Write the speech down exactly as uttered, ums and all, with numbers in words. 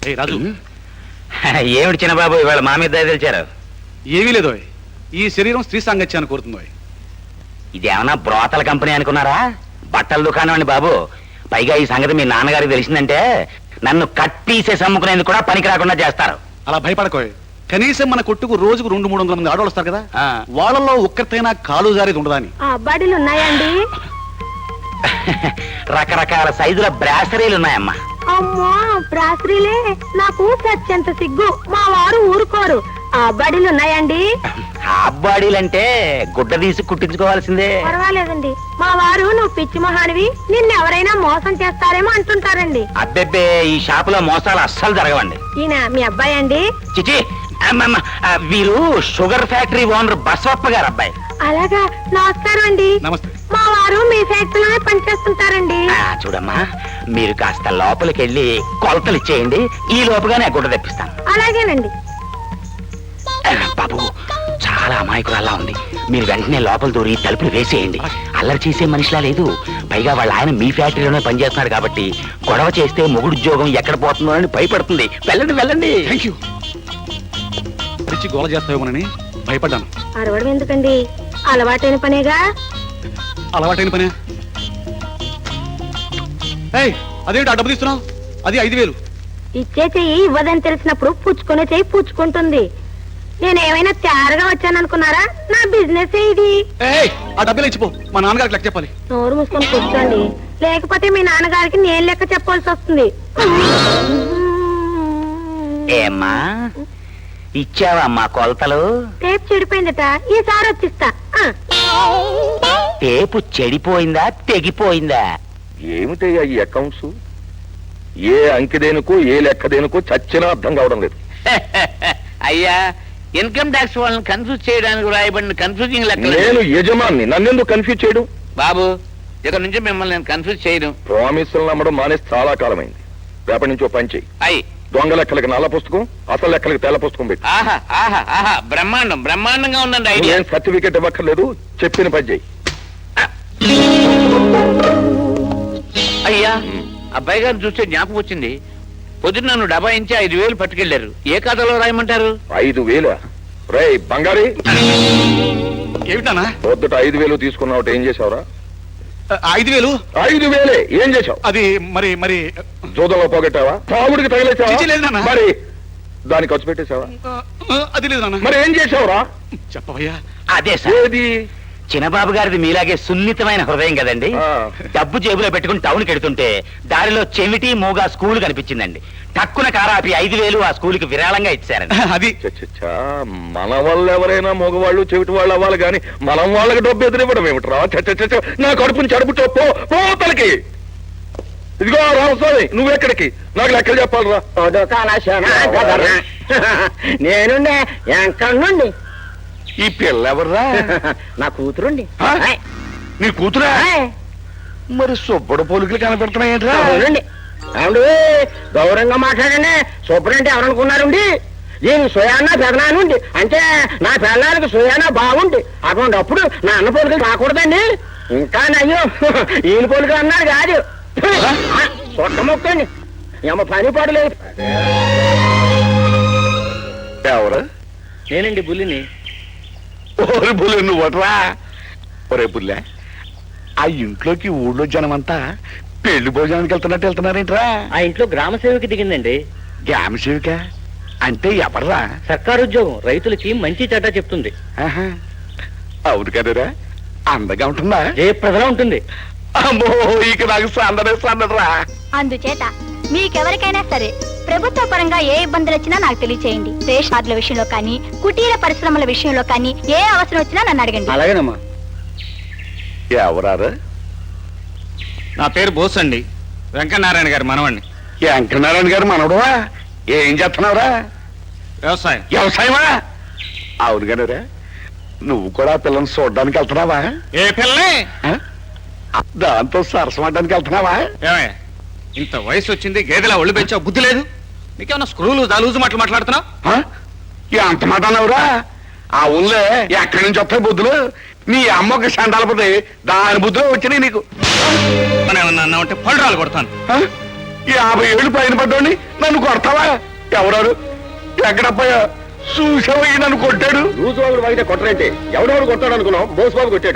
రాజు, ఏమిటి చిన్నబాబు ఇవాళ మా మీద దయ తెలిచారు? ఏమీ లేదో, ఈ శరీరం స్త్రీ సాంగత్యాన్ని కోరుతుందో. ఇదేమన్నా బ్రోతల కంపెనీ అనుకున్నారా? బట్టల దుకాణం అండి బాబు. పైగా ఈ సంగతి మీ నాన్నగారికి తెలిసిందంటే నన్ను కట్ పీసేసి అమ్ముకునేందుకు కూడా పనికి రాకుండా చేస్తారు. అలా భయపడకోయ్. కనీసం మన కొట్టుకు రోజుకు రెండు మూడు వందల మంది ఆడవాళ్ళు వస్తారు కదా, వాళ్ళలో ఒక్కరితైనా కాలు జారేది ఉండదా అని. అబ్బాడీలు ఉన్నాయండి? రకరకాల సైజుల బ్రాసరీలు ఉన్నాయమ్మా. అమ్మా, బ్రాసరీలే? నాకు సత్యంత సిగ్గు, మా వారు ఊరుకోరు. అబ్బాడీలు ఉన్నాయండి? అబ్బాడీలంటే గుడ్డ తీసి కుట్టించుకోవాల్సిందే. పర్వాలేదండి, మా వారు నువ్వు పిచ్చి మహానివి, నిన్నెవరైనా మోసం చేస్తారేమో అంటుంటారండి. అబ్బెబ్బే, ఈ షాపులో మోసాలు అస్సలు జరగవండి. ఈయన మీ అబ్బాయి అండి? చిచి, వీరు షుగర్ ఫ్యాక్టరీ ఓనర్ బసవప్ప గారు అబ్బాయి. అలాగా, నమస్కారం అండి. నమస్తే. మా వారు మీ ఫ్యాక్టరీలోనే పనిచేస్తుంటారండి. చూడమ్మా, మీరు కాస్త లోపలికి వెళ్ళి కొలతలు ఇచ్చేయండి, ఈ లోపుగానే గుడ్డ తెప్పిస్తాను. అలాగేనండి. బాబు, చాలా అమాయకురాల్లా ఉంది. మీరు వెంటనే లోపల దూరి తలుపులు వేసేయండి. అల్లరి చేసే మనిషిలా లేదు. పైగా వాళ్ళ ఆయన మీ ఫ్యాక్టరీలోనే పనిచేస్తున్నాడు కాబట్టి గొడవ చేస్తే మొగుడు ఉద్యోగం ఎక్కడ పోతుందో అని భయపడుతుంది. వెళ్ళండి వెళ్ళండి. Thank you. పిచ్చి గోల చేస్తావేమోనని భయపడ్డాను. అరవడం ఎందుకండి, అలవాటైన పనేగా. అలవాటైన పనే. ఏయ్, అదేంటి ఆ డబ్బు తీస్తున్నావు? అది ఐదు వేలు. ఇచ్చే చెయ్యి ఇవ్వదని తెలిసినప్పుడు పుచ్చుకునే చెయ్యి పుచ్చుకుంటుంది. నేనేమైనా తయారుగా వచ్చాను అనుకున్నారా? నా బిజినెస్ ఇది. ఏయ్, ఆ డబ్బులు ఇచ్చిపో, మా నాన్నగారికి లెక్క చెప్పాలి. నోరు మూసుకొని కూర్చోండి, లేకపోతే మీ నాన్నగారికి నేను లెక్క చెప్పాల్సి వస్తుంది. ఏమ్మా, ఇచ్చావా మా కొలతలు? టేప్ చెడిపోయిందట, ఈసారి వచ్చిస్తా. టేపు చెడిపోయిందా తెగిపోయిందా? ఏమిటయ్యా ఈ అకౌంట్స్? ఏ అంకె దేనికో ఏ లెక్క దేనికో చచ్చినా అర్థం కావడం లేదు. అయ్యా, ఇన్కమ్ ట్యాక్స్ వాళ్ళని కన్ఫ్యూజ్ చేయడానికి రాయబడిన కన్ఫ్యూజింగ్ లెక్క. నేను యజమాన్ని, నన్నెందుకు కన్ఫ్యూజ్ చేయడం? బాబు, ఇక్కడ నుంచి మిమ్మల్ని నేను కన్ఫ్యూజ్ చేయడం. ప్రామిసులు నమ్మడం మానేసి చాలా కాలమైంది. రేపటి నుంచి ఓ పని చెయ్యి. అయ్యి, దొంగ లెక్కలకి నల్ల పుస్తకం, అసలు లెక్కలకి తెల్ల పుస్తకం పెట్టి. ఆహా ఆహా ఆహా, బ్రహ్మాండం బ్రహ్మాండంగా ఉందండి ఐడియా. ఏం సర్టిఫికెట్ ఇవ్వక్కర్లేదు, చెప్పిన పని చెయ్యి. అయ్యా, అబ్బాయి గారిని చూస్తే జ్ఞాపకం వచ్చింది. పొద్దున్న నన్ను డబ్బా ఇంచి ఐదు వేలు పట్టుకెళ్లారు. ఏ ఖాతాలో రాయమంటారు? ఐదు వేల రే బంగారి, ఏమిటానా? పొద్దుట ఐదు వేలు తీసుకున్నావు, ఏం చేసావురా? ఐదు వేలు ఐదు వేలే ఏం చేసావు? అది మరి మరి జూదంలో పోగొట్టావా? తాగుడికి తగిలేసావా? లేదు నాన్న. మరి దానికి ఖర్చు పెట్టేశావా? అది లేదు నాన్న. మరి ఏం చేసావురా? చెప్పవయ్యా. అదే సార్, ఏది? చిన్నబాబు గారిది మీలాగే సున్నితమైన హృదయం కదండి. డబ్బు జేబులో పెట్టుకుని టౌన్కి వెడుతుంటే దారిలో చెమిటి మూగా స్కూల్ కనిపించిందండి. టక్కున కారాపి ఐదు వేలు ఆ స్కూల్ కి విరాళంగా ఇచ్చారండి. అది చచ్చా, మన వాళ్ళు ఎవరైనా మగవాళ్ళు చెవిటి వాళ్ళు అవ్వాలి కానీ మనం వాళ్ళకి డబ్బు ఎదురివ్వడం ఏమిట్రా? చచ్చ, నా కడుపుని చడుపుతో పో పోతలకి. ఇదిగో రామస్వామి, నువ్వెక్కడికి? నాకు లెక్కలు చెప్పాలరా. నేను ఎక్కడి నుండి? ఈ పిల్ల ఎవర్రా? నా కూతురుండి. నీ కూతురా? మరి సుబ్బడు పోలికలు కనపెడుతున్నాయేంట్రా? అవునండి. అవును, గౌరవంగా మాట్లాడండి. సూపరంటే ఎవరనుకున్నారండి? దీని సుయానా పెదనానుండి, అంటే నా పిల్లలకి సుయానా బాగుండి. అటువంటిప్పుడు నా అన్న పోలికలు రాకూడదండి. ఇంకా నయ్యో ఈయన పోలికలు అన్నారు కాదు. సొట్ట మొక్కండి, ఏమో పని పడలేదు. ఎవరు? నేనండి బుల్లిని. ఓరి బుల్లి నువ్వట్రా? ఒరే బుల్లె, ఆ ఇంట్లోకి ఊళ్ళో జనమంతా పెళ్లి భోజనానికి వెళ్తున్నట్టు వెళ్తున్నారేంట్రా? ఆ ఇంట్లో గ్రామ సేవకి దిగిందండి. గ్రామ సేవిక అంటే ఎవర్రా? సర్కారు ఉద్యోగం, రైతులకి మంచి చెడ్డ చెప్తుంది. అవును కదరా, అందగా ఉంటుందా? జయప్రదలా ఉంటుంది. అమ్మో, ఇక నాకు సందడే సందడరా. అందుచేత మీకెవరికైనా సరే ప్రభుత్వ పరంగా ఏ ఇబ్బందులు వచ్చినా నాకు తెలియచేయండి. రేషన్ కార్డుల విషయంలో కానీ, కుటీర పరిశ్రమల విషయంలో కానీ ఏ అవసరం వచ్చినా నన్ను అడగండి. అలాగేనమ్మా. ఎవరారు? నా పేరు బోస్ అండి, వెంకటనారాయణ గారు మనవండి. వెంకటనారాయణ గారు మనవడువా? ఏం చేస్తున్నావురా? వ్యవసాయం. వ్యవసాయమా? అవును కదరా, నువ్వు కూడా పిల్లల్ని చూడడానికి వెళ్తున్నావా? ఏ పిల్లని? దాంతో సరసమడ్డానికి వెళ్తున్నావా? ఏమయ్య, ఇంత వయసు వచ్చింది, గేదెలా ఒళ్ళు పెంచావు, బుద్ధి లేదు నీకేమన్నా? స్క్రూలు దాలూజు మాటలు మాట్లాడుతున్నావు? అంత మాట అన్నావురా? ఆ ఊళ్ళో ఎక్కడి నుంచి వస్తాయి బుద్ధులు? నీ అమ్మకి సండాలపోతే దాని బుద్ధులు వచ్చినాయి నీకు. మనం ఏమన్నా అన్నా ఉంటే పళ్ళు రాలు కొడతాను. యాభై ఏళ్ళు పైన పడ్డోని నన్ను కొడతావా? ఎవరాడు? ఎక్కడప్పయ్యా? చూసావయ్యి నన్ను కొట్టాడు. రోజు వాళ్ళు వాగితే కొట్టరంటే ఎవడెవడు కొట్టాడు అనుకున్నాం, బోసుబాబు కొట్టాడు.